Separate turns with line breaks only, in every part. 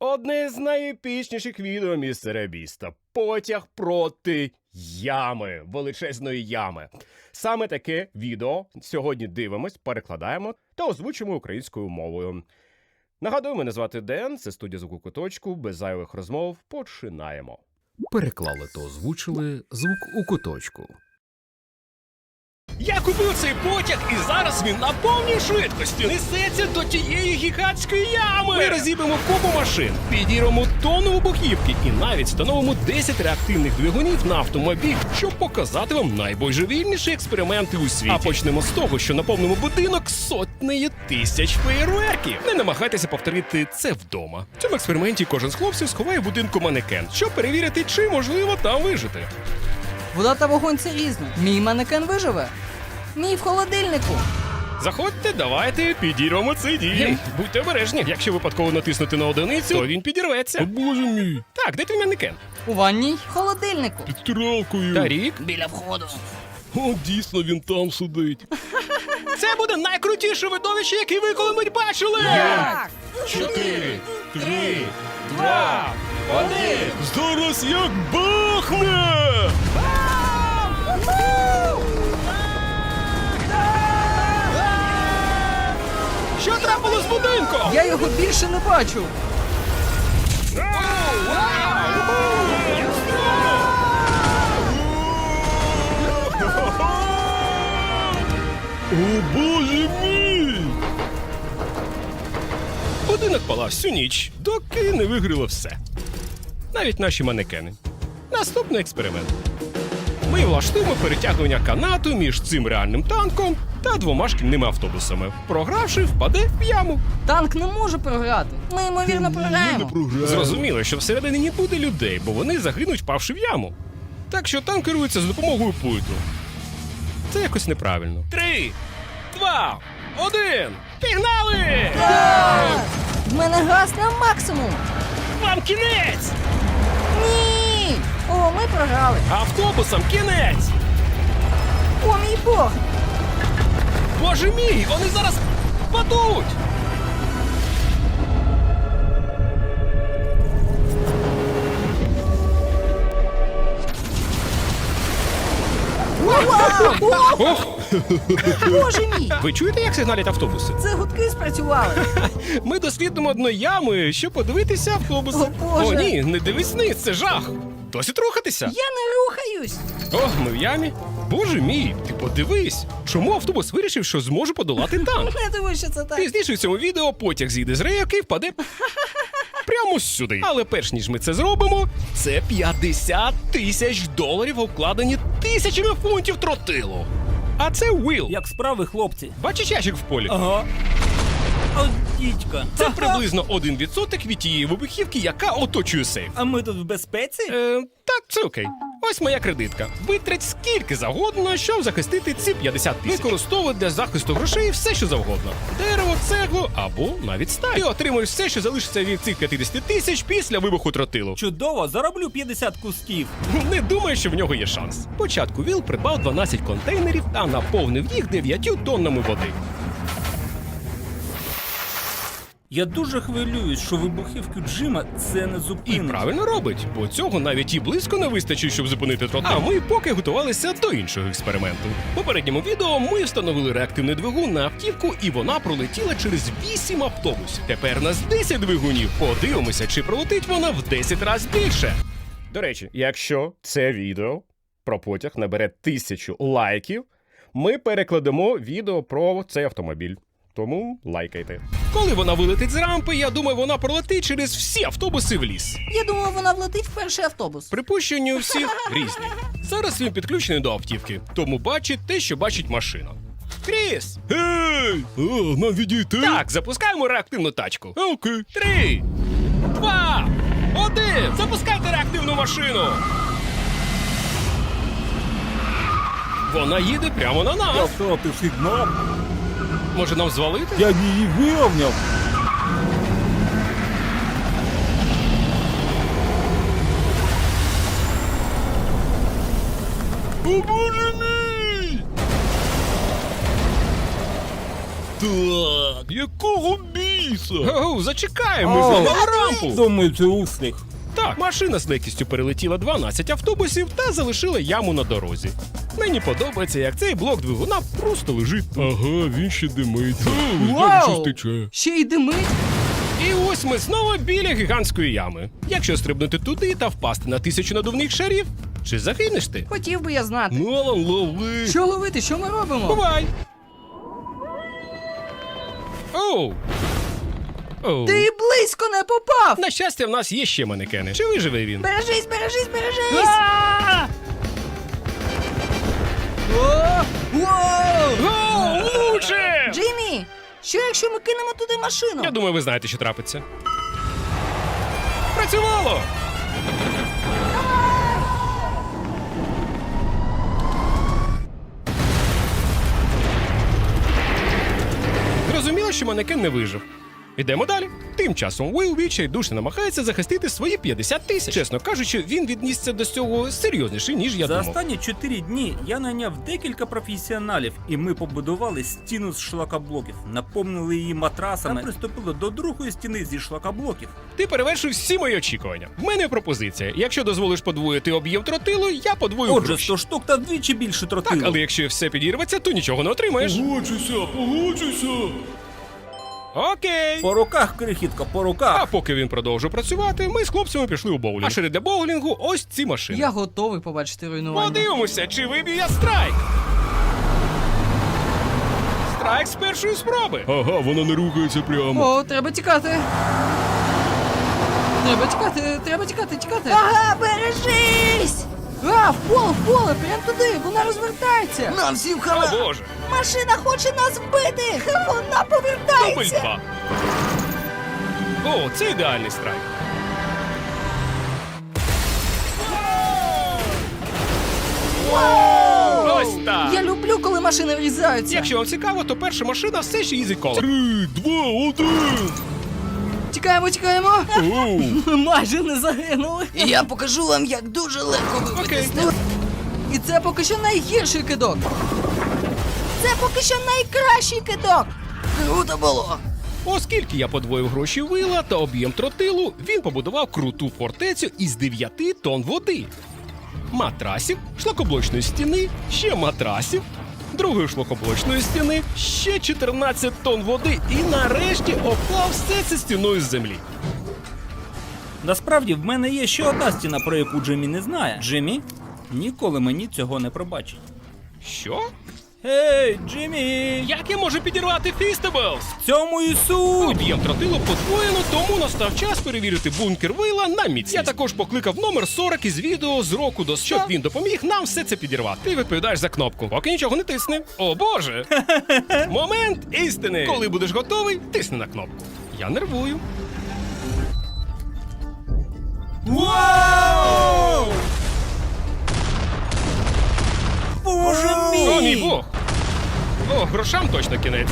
Одне з найепічніших відео містера Біста. Потяг проти ями. Величезної ями. Саме таке відео сьогодні дивимось, перекладаємо та озвучимо українською мовою. Нагадую, мене звати Ден, це студія «Звук у куточку», без зайвих розмов починаємо.
Переклали та озвучили «Звук у куточку».
Я купив цей потяг, і зараз він на повній швидкості несеться до тієї гігантської ями. Ми розіб'ємо купу машин, підірвемо тонну вибухівки і навіть встановимо 10 реактивних двигунів на автомобіль, щоб показати вам найбожевільніші експерименти у світі. А почнемо з того, що наповнимо будинок сотнею тисяч феєрверків. Не намагайтеся повторити це вдома. В цьому експерименті кожен з хлопців сховає в будинку манекен, щоб перевірити, чи можливо там вижити.
Вода та вогонь – це різно. Мій манекен виживе. Мій в холодильнику.
Заходьте, давайте підірвемо цей дім. Будьте обережні. Якщо випадково натиснути на одиницю, то він підірветься.
О, боже мій!
Так, де твій манекен?
У ванній в холодильнику.
Під стиралкою!
Тарік?
Біля входу.
О, дійсно, він там сидить.
Це буде найкрутіше видовище, яке ви коли-небудь бачили!
4, 3,
2, 1!
Зараз як бахне!
Що трапило з будинком?
Я його більше не бачу.
О, боже мій!
Будинок палав всю ніч, доки не вигоріло все. Навіть наші манекени. Наступний експеримент. Ми влаштуємо перетягування канату між цим реальним танком та 2 шкільними автобусами. Програвши, впаде в яму.
Танк не може програти. Ми, ймовірно, програємо.
Зрозуміло, що всередині не буде людей, бо вони загинуть, впавши в яму. Так що танк керується за допомогою пульту. Це якось неправильно. 3, 2, 1! Пігнали!
Так! В мене газ на максимум.
Вам кінець!
Ні! О, ми програли.
Автобусам кінець!
О, мій Бог!
Боже мій, вони зараз падуть! Ох,
Боже мій!
ви чуєте, як сигналять автобуси?
Це гудки спрацювали.
Ми дослідимо одну яму, щоб подивитися автобуси.
О, Боже!
О, ні, не дивись вниз, це жах! Досить рухатися!
Я не рухаюсь.
О, ми в ямі. Боже мій, ти подивись! Чому автобус вирішив, що зможе подолати танк?
Не думаю, що це так.
Пізніше в цьому відео потяг зійде з рейок і впаде прямо сюди. Але перш ніж ми це зробимо, це $50 тисяч, обкладені тисячами фунтів тротилу. А це Уилл.
Як справи, хлопці?
Бачиш ящик в полі?
Ага. О, дідька.
Це приблизно 1% від тієї вибухівки, яка оточує сейф.
А ми тут в безпеці?
Так, це окей. Ось моя кредитка. Витрать скільки завгодно, щоб захистити ці 50 тисяч. Використовуй для захисту грошей все, що завгодно. Дерево, цеглу або навіть сталь. Ти отримуєш все, що залишиться від цих 50 тисяч після вибуху тротилу.
Чудово, зароблю 50 кусків.
Не думаю, що в нього є шанс. Спочатку Віл придбав 12 контейнерів та наповнив їх 9 тоннами води.
Я дуже хвилююсь, що вибухівки Джима це не
І
зупинить.
правильно робить, бо цього навіть і близько не вистачить, щоб зупинити тротил. А ми поки готувалися до іншого експерименту. В попередньому відео ми встановили реактивний двигун на автівку, і вона пролетіла через 8 автобусів. Тепер нас 10 двигунів. Подивимося, чи пролетить вона в 10 разів більше. До речі, якщо це відео про потяг набере 1000 лайків, ми перекладемо відео про цей автомобіль. Тому лайкайте. Коли вона вилетить з рампи, я думаю, вона пролетить через всі автобуси в ліс.
Я думала, вона влетить в перший автобус.
Припущення у всіх різні. Зараз він підключений до автівки, тому бачить те, що бачить машина. Кріс!
Гей! Нам відійти?
Так, запускаємо реактивну тачку.
Окей.
3, 2, 1! Запускайте реактивну машину! Вона їде прямо на нас.
втратив сигнал.
Може нам звалити?
Я її вирівняв.
О, боже мій! Так, якого біса?
біса? Оу, зачекай, ми зламали рампу.
Думаю, це успіх.
Так, машина з легкістю перелетіла 12 автобусів та залишила яму на дорозі. Мені подобається, як цей блок двигуна просто лежить. Ага, він ще димиться.
Вау! Ще й димить.
І ось ми знову біля гігантської ями. Якщо стрибнути туди та впасти на 1000 надувних шарів, чи загинеш ти?
Хотів би я знати.
Нолан, лови!
Що ловити? Що ми робимо?
Бувай! Оу! Оу.
Ти й близько не попав!
На щастя, в нас є ще манекени. Чи виживе він?
Бережись, бережись, бережись! О! Воу!
Гоу, лучше!
Джиммі, що якщо ми кинемо туди машину?
Я думаю, ви знаєте, що трапиться. Працювало! Зрозуміло, що манекен не вижив. Ідемо далі. Тим часом Уилл відчайдушно намагається захистити свої 50 000. Чесно кажучи, він віднісся до цього серйозніше, ніж я
За
думав.
останні 4 дні я найняв декілька професіоналів, і ми побудували стіну з шлакоблоків, наповнили її матрасами та приступили до другої стіни зі шлакоблоків.
Ти перевершив всі мої очікування. В мене пропозиція. Якщо дозволиш подвоїти об'єм тротилу, я подвою
Отже,
гроші.
100 штук та вдвічі більше тротилу.
Так, але якщо все підірветься, то нічого не отримаєш.
Погоджуйся.
Окей.
По руках, крихітко, по
А
руках.
поки він продовжив працювати, ми з хлопцями пішли у боулінг. А серед для боулінгу ось ці машини.
Я готовий побачити руйнування.
Подивимося, чи виб'ю я страйк. Страйк з першої спроби.
Ага, вона не рухається прямо.
О, треба тікати. Треба тікати, треба тікати, тікати. Ага, бережись! А, в поле, прям туди, вона розвертається. Нам всім
О, Боже.
Машина хоче нас вбити! Вона
Дубль
повертається!
2. О, це ідеальний страйк. Ось так.
Я люблю, коли машини врізаються.
Якщо вам цікаво, то перша машина все ще їздить коло.
3, 2, 1.
Тікаємо, тікаємо.
Оу.
Ми майже не загинули. І я покажу вам, як дуже легко
Окей.
І це поки що найгірший кидок. Це поки що найкращий кидок. Круто було.
Оскільки я подвоїв гроші Вила та об'єм тротилу, він побудував круту фортецю із 9 тонн води. Матрасів, шлакоблочної стіни, ще матрасів, другої шлакоблочної стіни, ще 14 тонн води і нарешті оклав все це стіною з землі.
Насправді, в мене є ще одна стіна, про яку Джиммі не знає. Джиммі ніколи мені цього не пробачить.
Що?
Гей, Джиммі!
Як я можу підірвати Фістеблс?
В цьому і суть!
Об'єм тротилу подвоєно, тому настав час перевірити бункер Вила на міцність. Я також покликав номер 40 із відео з року до щоб він допоміг нам все це підірвати. Ти відповідаєш за кнопку, поки нічого не тисни. О боже! Момент істини! Коли будеш готовий, тисни на кнопку. Я нервую.
Вау! Боже мій!
О, мій Бог! О, грошам точно кінець.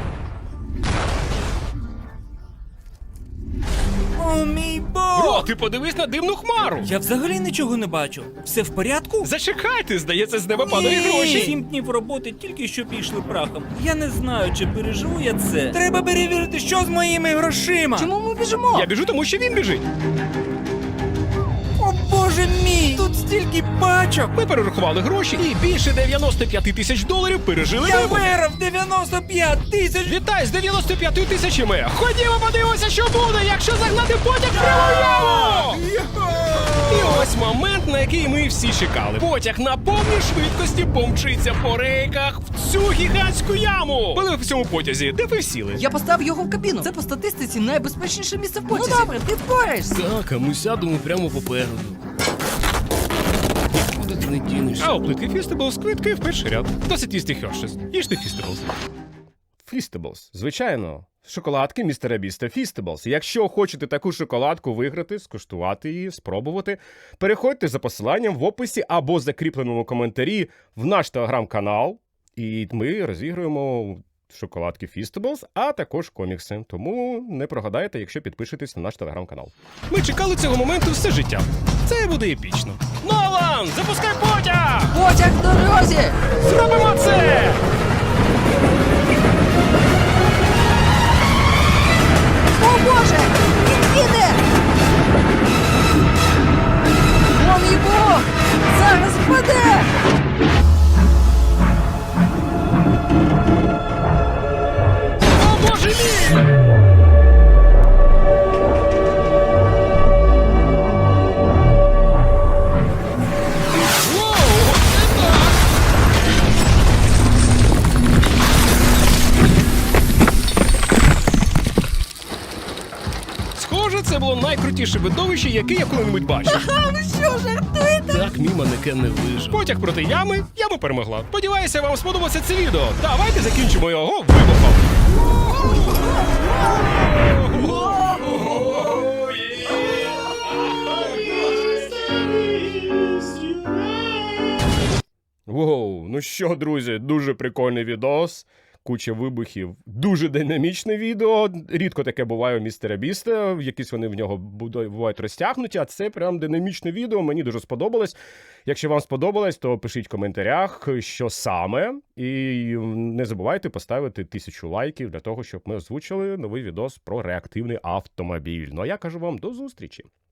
О, мій Бог!
Бро, ти подивись на димну хмару!
Я взагалі нічого не бачу. Все в порядку?
Зачекайте, здається, з неба падають гроші.
7 днів роботи тільки що пішли прахом. Я не знаю, чи переживу я це. Треба перевірити, що з моїми грошима.
Чому ми біжимо?
Я біжу, тому що він біжить.
О, Боже мій! Тут стільки пачок!
Ми перерахували гроші і більше 95 тисяч доларів пережили
Я
вибух.
виграв 95 тисяч!
Вітай з 95 тисячами! Ходімо подивимося, що буде, якщо загнати потяг прямо в яму! І ось момент, на який ми всі чекали. Потяг на повній швидкості помчиться по рейках в цю гігантську яму. Були в цьому потязі, де ви сіли?
Я поставив його в кабіну. Це по статистиці найбезпечніше місце в потязі. Ну добре, ти впораєшся.
Так, а ми сядемо прямо попереду. Куди ти не дінешся? А у плитки Фістеблс квитки в перший ряд. Досить їсти Хершес. Їжте Фістеблс. Фістеблс, звичайно. Шоколадки містера Біста Фістеблс. Якщо хочете таку шоколадку виграти, скуштувати її, спробувати, переходьте за посиланням в описі або закріпленому коментарі в наш телеграм-канал, і ми розігруємо шоколадки Фістеблс, а також комікси. Тому не прогадайте, якщо підпишетесь на наш телеграм-канал. Ми чекали цього моменту все життя. Це буде епічно. Нолан, запускай потяг!
Потяг в дорозі!
Зробимо це!
Боже! Він їде! Вон його! Зараз впаде!
О, боже мій! Воу, оце так! Схоже, це було найкрутіше видовище, яке я коли-небудь бачив.
А ви що, жартуєте?
Так, мій манекен не вижив. Потяг проти ями, яма перемогла. Сподіваюся, вам сподобалося це відео. Давайте закінчимо його вибухом. Воу, ну що, друзі, дуже прикольний відос. Куча вибухів, дуже динамічне відео. Рідко таке буває у містера Біста. Якісь вони в нього бувають розтягнуті, а це прям динамічне відео. Мені дуже сподобалось. Якщо вам сподобалось, то пишіть в коментарях, що саме. І не забувайте поставити 1000 лайків для того, щоб ми озвучили новий відос про реактивний автомобіль. Ну а я кажу вам до зустрічі.